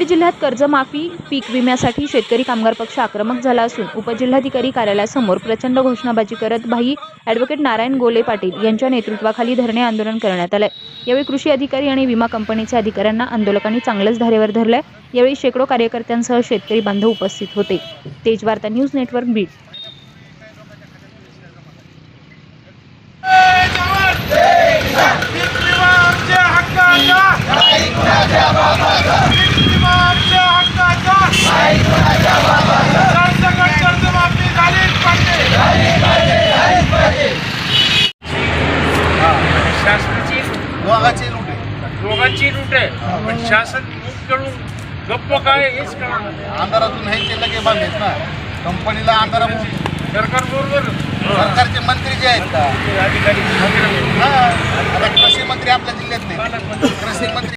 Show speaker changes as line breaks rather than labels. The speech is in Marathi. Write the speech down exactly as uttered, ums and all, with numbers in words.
जिल्ह्यात कर्जमाफी पीक विम्यासाठी शेतकरी कामगार पक्ष आक्रमक झाला असून उपजिल्हाधिकारी कार्यालयासमोर प्रचंड घोषणाबाजी करत भाई ॲडव्होकेट नारायण गोले पाटील यांच्या नेतृत्वाखाली धरणे आंदोलन करण्यात आले। यावेळी कृषी अधिकारी आणि विमा कंपनीच्या अधिकाऱ्यांना आंदोलकांनी चांगलंच धारेवर धरले। यावेळी शेकडो कार्यकर्त्यांसह शेतकरी बांधव उपस्थित होते। तेज वार्ता न्यूज नेटवर्क बीड।
शासनाची
दोघांची लूट आहे,
दोघांची लूट आहे, पण शासन लूट करून गप्प काय हेच कळणार नाही।
अंधारातून हे ते लगे बांधलेत ना कंपनीला अंधारातून।
सरकार बरोबर
सरकारचे मंत्री जे आहेत का
अधिकारी
हा, आता कृषी मंत्री आपल्या जिल्ह्यात नाही, कृषी मंत्री